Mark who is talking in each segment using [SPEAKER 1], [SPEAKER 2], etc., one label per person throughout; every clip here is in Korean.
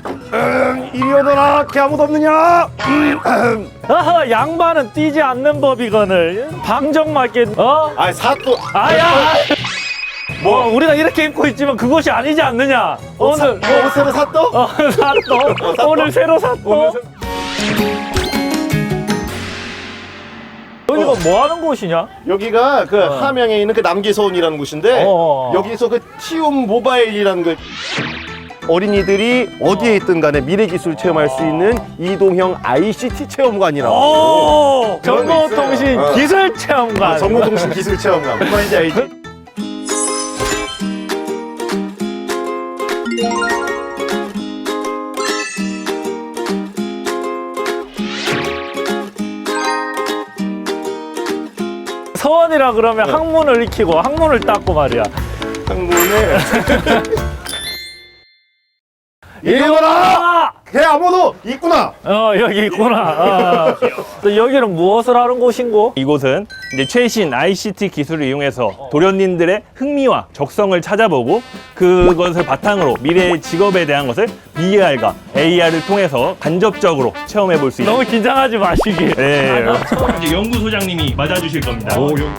[SPEAKER 1] 이리 오너라. 걔 아무도 없느냐?
[SPEAKER 2] 아하, 양반은 뛰지 않는 법이거늘. 방정맞게
[SPEAKER 1] 아이 사또.
[SPEAKER 2] 아야. 뭐 우리가 이렇게 입고 있지만 그것이 아니지 않느냐. 오늘
[SPEAKER 1] 옷 새로 샀또?
[SPEAKER 2] 샀어. 오늘 새로 샀어. 여기가 뭐 하는 곳이냐?
[SPEAKER 1] 여기가 그 함양에 있는 그 남계서원이라는 곳인데 여기서 그 티움 모바일이라는 그 어린이들이 어디에 있든 간에 미래 기술 체험할 수 있는 이동형 ICT 체험관이라고. 그런 거
[SPEAKER 2] 정보통신
[SPEAKER 1] 있어요.
[SPEAKER 2] 기술 체험관.
[SPEAKER 1] 정보통신 기술 체험관. 무슨 말인지 알지?
[SPEAKER 2] 서원이라 그러면 항문을 익히고 항문을 닦고 말이야.
[SPEAKER 1] 창문에 이리 오라! 걔 아무도 있구나!
[SPEAKER 2] 여기 있구나. 또 여기는 무엇을 하는 곳인고?
[SPEAKER 3] 이곳은 이제 최신 ICT 기술을 이용해서 도련님들의 흥미와 적성을 찾아보고 그것을 바탕으로 미래의 직업에 대한 것을 VR과 AR을 통해서 간접적으로 체험해 볼 수 있는.
[SPEAKER 2] 너무 긴장하지 마시기.
[SPEAKER 3] 네. 이제 연구소장님이 맞아주실 겁니다.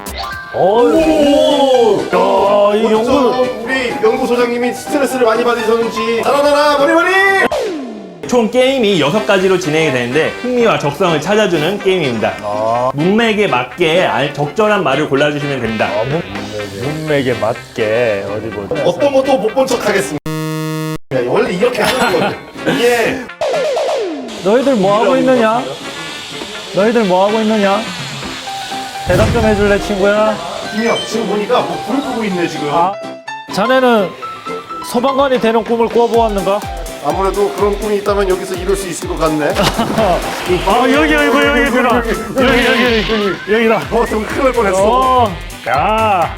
[SPEAKER 2] 이 연구.
[SPEAKER 1] 우리 연구소장님이 스트레스를 많이 받으셨는지 달아나라 머리머리!
[SPEAKER 3] 총 게임이 6가지로 진행이 되는데 흥미와 적성을 찾아주는 게임입니다. 문맥에 맞게 적절한 말을 골라주시면 됩니다.
[SPEAKER 2] 문맥에 맞게 어디 보자.
[SPEAKER 1] 어떤 것도 못 본 척 하겠습니다. 원래 이렇게 하는 거죠. 이게
[SPEAKER 2] 너희들 뭐 하고 있느냐? 너희들 뭐 하고 있느냐? 대답 좀 해줄래 친구야?
[SPEAKER 1] 김혁 지금 보니까 뭐 불을 끄고 있네 지금.
[SPEAKER 2] 자네는 소방관이 되는 꿈을 꿔보았는가?
[SPEAKER 1] 아무래도 그런 꿈이 있다면 여기서 이룰 수 있을 것 같네.
[SPEAKER 2] 여기 들어. 여기다.
[SPEAKER 1] 좀 큰일 날 뻔했어.
[SPEAKER 2] 야.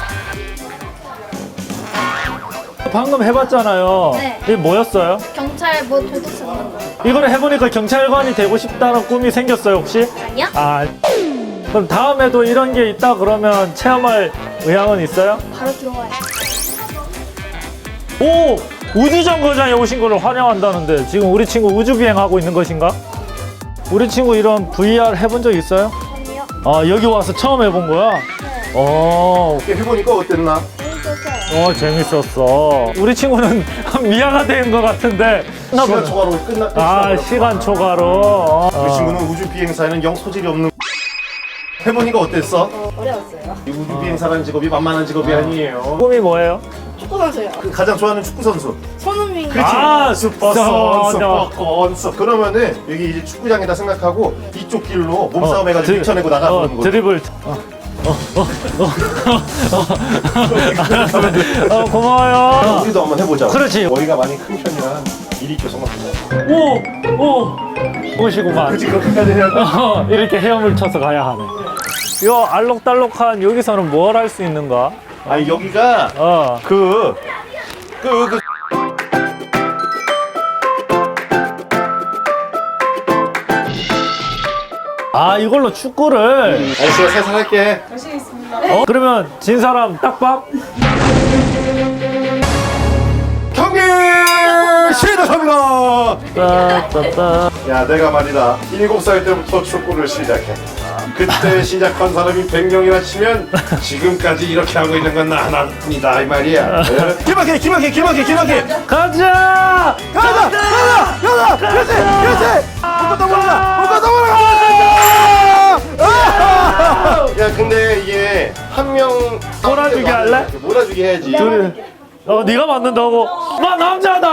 [SPEAKER 2] 방금 해봤잖아요.
[SPEAKER 4] 네.
[SPEAKER 2] 이게 뭐였어요?
[SPEAKER 4] 경찰 뭐 도둑 잡는 거
[SPEAKER 2] 이걸 해보니까 경찰관이 되고 싶다는 꿈이 생겼어요 혹시?
[SPEAKER 4] 아니야?
[SPEAKER 2] 그럼 다음에도 이런 게 있다 그러면 체험할 의향은 있어요?
[SPEAKER 4] 바로 들어와요.
[SPEAKER 2] 오! 우주정거장에 오신 거를 환영한다는데 지금 우리 친구 우주비행하고 있는 것인가? 우리 친구 이런 VR 해본 적 있어요?
[SPEAKER 4] 아니요.
[SPEAKER 2] 여기 와서 처음 해본 거야?
[SPEAKER 4] 네.
[SPEAKER 1] 이렇게 해보니까 어땠나?
[SPEAKER 4] 재밌었어요.
[SPEAKER 2] 재밌었어. 우리 친구는 미아가 된 것 같은데.
[SPEAKER 1] 시간 초과로 끝났다.
[SPEAKER 2] 시간 초과로.
[SPEAKER 1] 그 친구는 우주 비행사에는 영 소질이 없는. 해보니까 어땠어?
[SPEAKER 4] 어려웠어요.
[SPEAKER 1] 이 우주 비행사라는 직업이 만만한 직업이 아니에요.
[SPEAKER 2] 꿈이 뭐예요?
[SPEAKER 4] 축구 선수요.
[SPEAKER 1] 그 가장 좋아하는 축구 선수.
[SPEAKER 4] 손흥민.
[SPEAKER 2] 슈퍼
[SPEAKER 1] 선수. 그러면은 여기 이제 축구장이다 생각하고 이쪽 길로 몸싸움 해가지고 밀쳐내고 나가보는 거지.
[SPEAKER 2] 드리블. 고마워요.
[SPEAKER 1] 우리도 한번 해보자.
[SPEAKER 2] 그렇지.
[SPEAKER 1] 머리가 많이 큰 편이라 일이 있죠 생각보다.
[SPEAKER 2] 오시구만.
[SPEAKER 1] 그치 그렇게까지 해야 돼?
[SPEAKER 2] 이렇게 헤엄을 쳐서 가야 하네. 요 알록달록한 여기서는 뭘 할 수 있는가?
[SPEAKER 1] 아니 여기가 그
[SPEAKER 2] 이걸로 축구를.
[SPEAKER 1] 아저씨가 살살 할게.
[SPEAKER 2] 그러면 진 사람 딱밥?
[SPEAKER 1] 경기 시작합니다.
[SPEAKER 2] 따따따.
[SPEAKER 1] 야 내가 말이다 7살 때부터 축구를 시작해. 그때 시작한 사람이 100명이나 치면 지금까지 이렇게 하고 있는 건 나 하나뿐이다 이 말이야. 기막해.
[SPEAKER 2] 가자!
[SPEAKER 1] 가자. 묶었다 몰라. 야 근데 이게 한 명
[SPEAKER 2] 몰아주기 할래?
[SPEAKER 1] 몰아주기 해야지.
[SPEAKER 2] 네가 맞는다고? 나 남자다!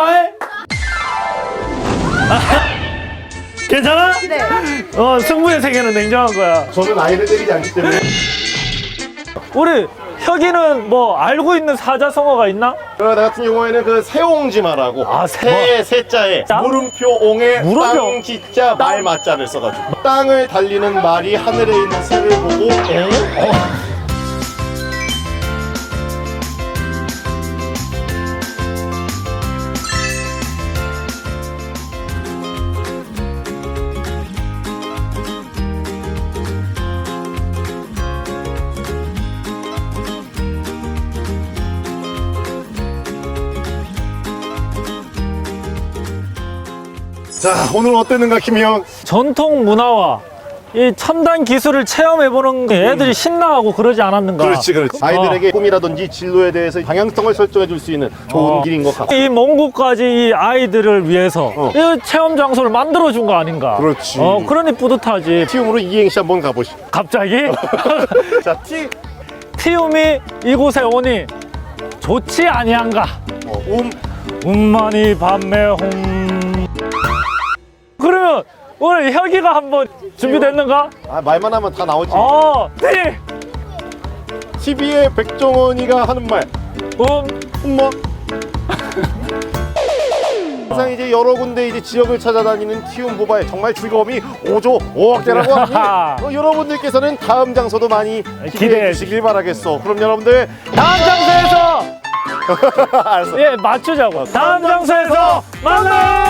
[SPEAKER 2] 괜찮아?
[SPEAKER 4] 네.
[SPEAKER 2] 승부의 세계는 냉정한 거야.
[SPEAKER 1] 저는 아이를 때리지 않기 때문에.
[SPEAKER 2] 우리 혁이는 뭐 알고 있는 사자성어가 있나?
[SPEAKER 1] 나 같은 경우에는 그 새옹지마라고 새자에
[SPEAKER 2] 땅?
[SPEAKER 1] 물음표 옹에
[SPEAKER 2] 물음표?
[SPEAKER 1] 땅 지자 말 맞자를 써가지고 땅을 달리는 말이 하늘에 있는 새를 보고 자, 오늘 어땠는가, 김형?
[SPEAKER 2] 전통 문화와 이 첨단 기술을 체험해보는 게 애들이 신나하고 그러지 않았는가?
[SPEAKER 1] 그렇지. 아이들에게 꿈이라든지 진로에 대해서 방향성을 설정해 줄 수 있는 좋은 길인 것 같아.
[SPEAKER 2] 이 먼 곳까지 이 아이들을 위해서 이 체험 장소를 만들어준 거 아닌가?
[SPEAKER 1] 그렇지.
[SPEAKER 2] 그러니 뿌듯하지.
[SPEAKER 1] 티움으로 이행시 한번 가보시죠.
[SPEAKER 2] 갑자기?
[SPEAKER 1] 자,
[SPEAKER 2] 티움이 이곳에 오니 좋지 아니한가? 운만이 밤매홍. 그러면 오늘 혁이가 한번 준비됐는가?
[SPEAKER 1] 아, 말만 하면 다 나오지.
[SPEAKER 2] 티!
[SPEAKER 1] TV의 백종원이가 하는 말. 뭐? 항상 이제 여러 군데 이제 지역을 찾아다니는 티움 모바일 정말 즐거움이 5조 5억대라고 하니 여러분들께서는 다음 장소도 많이 기대해 주시길 바라겠어. 그럼 여러분들
[SPEAKER 2] 다음 장소에서
[SPEAKER 1] 알았어.
[SPEAKER 2] 예 맞추자고. 다음 장소에서 만나요.